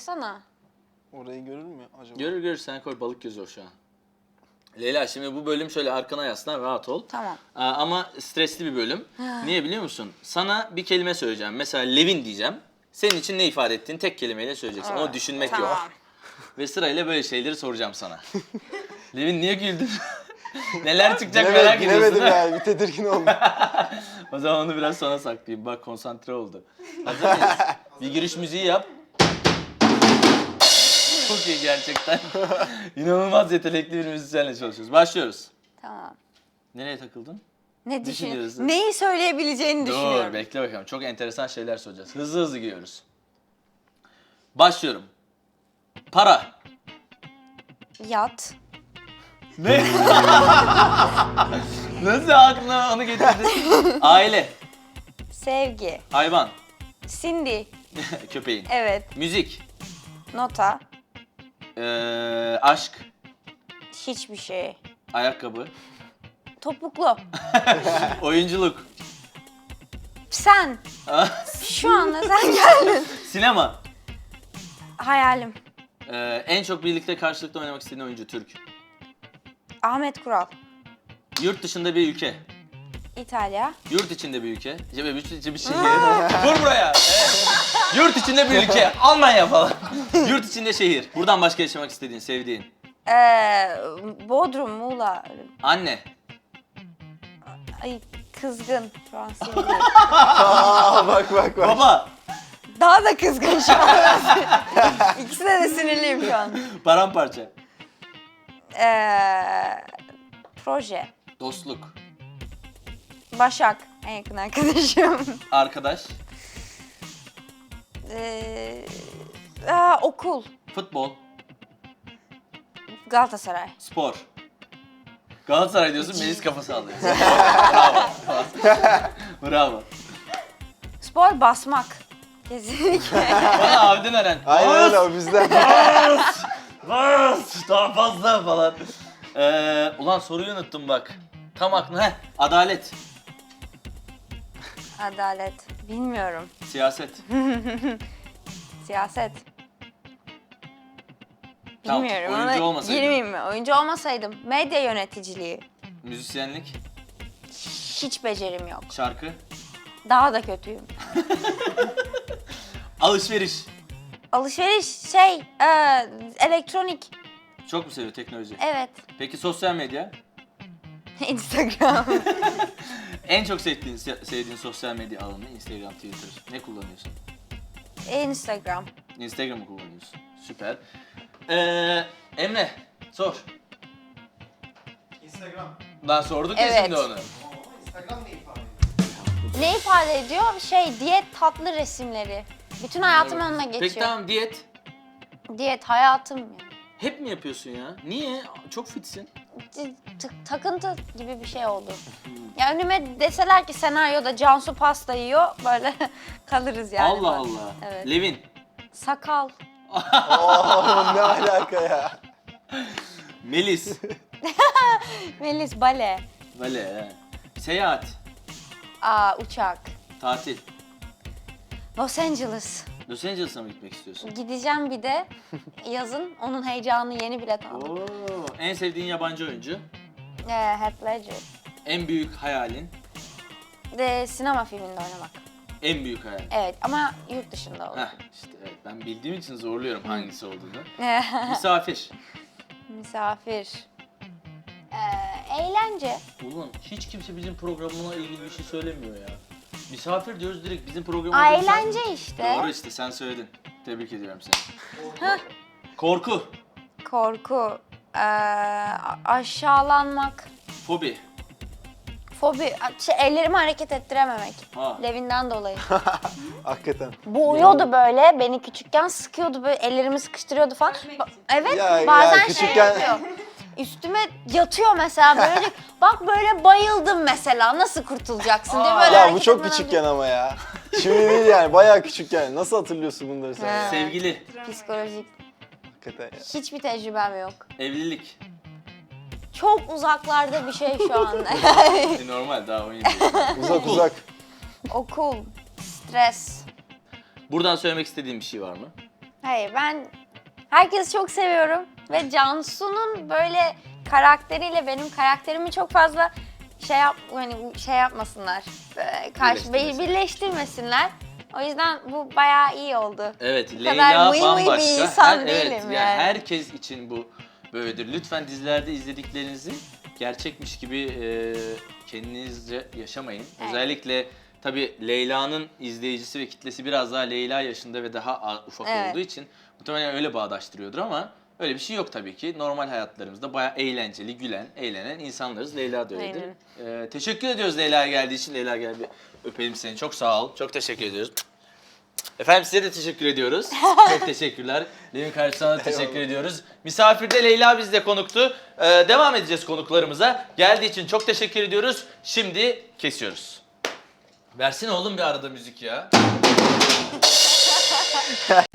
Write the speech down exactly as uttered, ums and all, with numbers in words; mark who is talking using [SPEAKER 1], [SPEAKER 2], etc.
[SPEAKER 1] koysana.
[SPEAKER 2] Orayı görür mü acaba?
[SPEAKER 3] Görür görür, sen koy, balık gözü o şu an. Leyla, şimdi bu bölüm şöyle arkana yaslan, rahat ol.
[SPEAKER 1] Tamam.
[SPEAKER 3] Aa, ama stresli bir bölüm. Niye biliyor musun? Sana bir kelime söyleyeceğim. Mesela Levin diyeceğim. Senin için ne ifade ettiğini tek kelimeyle söyleyeceksin. Onu düşünmek
[SPEAKER 1] Tamam.
[SPEAKER 3] yok. Ve sırayla böyle şeyleri soracağım sana. Levin niye güldün? Neler çıkacak
[SPEAKER 2] Bilemedim,
[SPEAKER 3] merak ediyorsun
[SPEAKER 2] bilemedim
[SPEAKER 3] ha?
[SPEAKER 2] yani, bir tedirgin oldum.
[SPEAKER 3] O zaman onu biraz sona saklayayım. Bak, konsantre oldu. Hazır mıyız? Bir giriş müziği yap. Çok iyi gerçekten. İnanılmaz yetenekli bir müzisyenle çalışıyoruz. Başlıyoruz.
[SPEAKER 1] Tamam.
[SPEAKER 3] Nereye takıldın?
[SPEAKER 1] Ne
[SPEAKER 3] Düşünüyoruz.
[SPEAKER 1] düşünüyorsun? Neyi söyleyebileceğini
[SPEAKER 3] Dur,
[SPEAKER 1] düşünüyorum.
[SPEAKER 3] bekle bakalım. Çok enteresan şeyler soracağız. Hızlı hızlı gidiyoruz. Başlıyorum. Para.
[SPEAKER 1] Yat.
[SPEAKER 3] Ne? Nasıl aklına onu getirdin? Aile.
[SPEAKER 1] Sevgi.
[SPEAKER 3] Hayvan.
[SPEAKER 1] Cindy.
[SPEAKER 3] Köpeğin.
[SPEAKER 1] Evet.
[SPEAKER 3] Müzik.
[SPEAKER 1] Nota.
[SPEAKER 3] Ee, aşk.
[SPEAKER 1] Hiçbir şey.
[SPEAKER 3] Ayakkabı.
[SPEAKER 1] Topuklu.
[SPEAKER 3] Oyunculuk.
[SPEAKER 1] Sen. Şu anda sen geldin.
[SPEAKER 3] Sinema.
[SPEAKER 1] Hayalim.
[SPEAKER 3] Ee, en çok birlikte karşılıklı oynamak istediğin oyuncu Türk.
[SPEAKER 1] Ahmet Kural.
[SPEAKER 3] Yurt dışında bir ülke.
[SPEAKER 1] İtalya.
[SPEAKER 3] Yurt içinde bir ülke. Cebe yurt içi bir şehir. Vur buraya. Evet. Yurt içinde bir ülke. Almanya falan. Yurt içinde şehir. Buradan başka yaşamak istediğin, sevdiğin.
[SPEAKER 1] Ee, Bodrum, Muğla.
[SPEAKER 3] Anne.
[SPEAKER 1] Ay kızgın şu an sinirliyim.
[SPEAKER 2] Aa, bak bak bak.
[SPEAKER 3] Baba.
[SPEAKER 1] Daha da kızgın şu an. İkisine de sinirliyim şu an.
[SPEAKER 3] Paramparça.
[SPEAKER 1] Ee, proje.
[SPEAKER 3] Dostluk.
[SPEAKER 1] Başak. En yakın arkadaşım.
[SPEAKER 3] Arkadaş.
[SPEAKER 1] Ee, aa, okul.
[SPEAKER 3] Futbol.
[SPEAKER 1] Galatasaray.
[SPEAKER 3] Spor. Galatasaray diyorsun, Melis kafa sallıyor. Bravo. Bravo.
[SPEAKER 1] Spor basmak. Kesinlikle.
[SPEAKER 3] Bana abiden öğren.
[SPEAKER 2] Aynen öyle, o bizden.
[SPEAKER 3] Bas! Bas! Daha fazla falan. Ee, ulan soruyu unuttum bak. Tam aklına. Heh, adalet.
[SPEAKER 1] Adalet. Bilmiyorum.
[SPEAKER 3] Siyaset.
[SPEAKER 1] Siyaset.
[SPEAKER 3] Tamam,
[SPEAKER 1] Bilmiyorum.
[SPEAKER 3] oyuncu
[SPEAKER 1] Ona
[SPEAKER 3] olmasaydın.
[SPEAKER 1] girmeyeyim mi? Oyuncu olmasaydım. Medya yöneticiliği.
[SPEAKER 3] Müzisyenlik.
[SPEAKER 1] Hiç becerim yok.
[SPEAKER 3] Şarkı.
[SPEAKER 1] Daha da kötüyüm.
[SPEAKER 3] Alışveriş.
[SPEAKER 1] Alışveriş şey, e, elektronik.
[SPEAKER 3] Çok mu seviyor teknoloji?
[SPEAKER 1] Evet.
[SPEAKER 3] Peki sosyal medya?
[SPEAKER 1] Instagram.
[SPEAKER 3] En çok sevdiğin, sevdiğin sosyal medya alanı Instagram, Twitter. Ne kullanıyorsun?
[SPEAKER 1] Instagram.
[SPEAKER 3] Instagram'ı kullanıyorsun. Süper. Ee, Emre, sor.
[SPEAKER 4] Instagram.
[SPEAKER 3] Lan sorduk ya
[SPEAKER 1] Evet.
[SPEAKER 3] şimdi onu.
[SPEAKER 4] Instagram ne ifade ediyor?
[SPEAKER 1] Ne ifade ediyor? Şey, diyet tatlı resimleri. Bütün hayatım onunla geçiyor.
[SPEAKER 3] Peki tamam, diyet.
[SPEAKER 1] Diyet hayatım yani.
[SPEAKER 3] Hep mi yapıyorsun ya? Niye? Çok fitsin.
[SPEAKER 1] T- t- takıntı gibi bir şey oldu. Ya önüme deseler ki senaryoda Cansu pasta yiyor, böyle kalırız yani.
[SPEAKER 3] Allah
[SPEAKER 1] bak.
[SPEAKER 3] Allah.
[SPEAKER 1] Evet.
[SPEAKER 3] Levin.
[SPEAKER 1] Sakal.
[SPEAKER 2] Oo, ne alaka ya?
[SPEAKER 3] Melis.
[SPEAKER 1] Melis bale.
[SPEAKER 3] Vale. he. Seyahat.
[SPEAKER 1] Aa, uçak.
[SPEAKER 3] Tatil.
[SPEAKER 1] Los Angeles.
[SPEAKER 3] Los Angeles'a mı gitmek istiyorsun?
[SPEAKER 1] Gideceğim bir de yazın. Onun heyecanını yeni bilet aldım.
[SPEAKER 3] Oo. En sevdiğin yabancı oyuncu?
[SPEAKER 1] Ee, Heath Ledger.
[SPEAKER 3] En büyük hayalin?
[SPEAKER 1] De sinema filminde oynamak.
[SPEAKER 3] En büyük hayalin.
[SPEAKER 1] Evet ama yurt dışında olur.
[SPEAKER 3] Heh, işte evet, ben bildiğim için zorluyorum hangisi olduğunu. Misafir.
[SPEAKER 1] Misafir. Ee, eğlence.
[SPEAKER 3] Ulan hiç kimse bizim programına ilgili bir şey söylemiyor ya. Misafir diyoruz direkt bizim programımıza.
[SPEAKER 1] Aa,
[SPEAKER 3] misafir-
[SPEAKER 1] eğlence işte.
[SPEAKER 3] Doğru işte, sen söyledin. Tebrik ediyorum seni. Korku.
[SPEAKER 1] Korku. Ee, aşağılanmak.
[SPEAKER 3] Fobi.
[SPEAKER 1] Fobi. Şey, ellerimi hareket ettirememek.
[SPEAKER 3] Ha.
[SPEAKER 1] Levinden dolayı.
[SPEAKER 2] Hakikaten.
[SPEAKER 1] Boğuyordu böyle. Beni küçükken sıkıyordu böyle. Ellerimi sıkıştırıyordu falan. Ba- Evet.
[SPEAKER 2] Ya- ya
[SPEAKER 1] bazen şey
[SPEAKER 2] küçükken-
[SPEAKER 1] yapıyor. Üstüme yatıyor mesela böyle. Bak böyle bayıldım mesela. Nasıl kurtulacaksın diye böyle
[SPEAKER 2] Ya bu
[SPEAKER 1] hareket
[SPEAKER 2] çok
[SPEAKER 1] etmeden
[SPEAKER 2] küçükken ama ya. Şimdi değil yani, bayağı küçükken. Nasıl hatırlıyorsun bunları sen?
[SPEAKER 1] He.
[SPEAKER 2] ya?
[SPEAKER 3] Sevgili.
[SPEAKER 1] Psikolojik.
[SPEAKER 2] Hakikaten ya.
[SPEAKER 1] Hiçbir tecrübem yok.
[SPEAKER 3] Evlilik.
[SPEAKER 1] Çok uzaklarda bir şey şu anda.
[SPEAKER 3] E, normal, daha on yedi.
[SPEAKER 2] Uzak
[SPEAKER 3] Okul.
[SPEAKER 2] uzak.
[SPEAKER 1] Okul, stres.
[SPEAKER 3] Buradan söylemek istediğin bir şey var mı?
[SPEAKER 1] Hayır, ben herkesi çok seviyorum ve Cansu'nun böyle karakteriyle benim karakterimi çok fazla şey yap hani şey yapmasınlar. Ee, Karşı
[SPEAKER 3] Birleştirmesinler.
[SPEAKER 1] birleştirmesinler. O yüzden bu bayağı iyi oldu.
[SPEAKER 3] Evet,
[SPEAKER 1] Bu
[SPEAKER 3] Leyla
[SPEAKER 1] kadar mıy mıy bir
[SPEAKER 3] bambaşka.
[SPEAKER 1] insan
[SPEAKER 3] Her-
[SPEAKER 1] değilim
[SPEAKER 3] evet,
[SPEAKER 1] yani.
[SPEAKER 3] herkes için bu böyledir. Lütfen dizilerde izlediklerinizi gerçekmiş gibi e, kendinizce yaşamayın.
[SPEAKER 1] Evet.
[SPEAKER 3] Özellikle tabii Leyla'nın izleyicisi ve kitlesi biraz daha Leyla yaşında ve daha a- ufak
[SPEAKER 1] Evet.
[SPEAKER 3] olduğu için muhtemelen öyle bağdaştırıyordur ama öyle bir şey yok tabii ki. Normal hayatlarımızda bayağı eğlenceli, gülen, eğlenen insanlarız. Leyla da öyledir. E, teşekkür ediyoruz Leyla'ya geldiği için. Leyla gel bir öpelim seni. Çok sağ ol. Çok teşekkür ediyoruz. Efendim size de teşekkür ediyoruz. Çok teşekkürler. Levin kardeş sana da teşekkür ediyoruz. Misafirde Leyla bizde konuktu. Ee, devam edeceğiz konuklarımıza. Geldiği için çok teşekkür ediyoruz. Şimdi kesiyoruz. Versene oğlum bir arada müzik ya.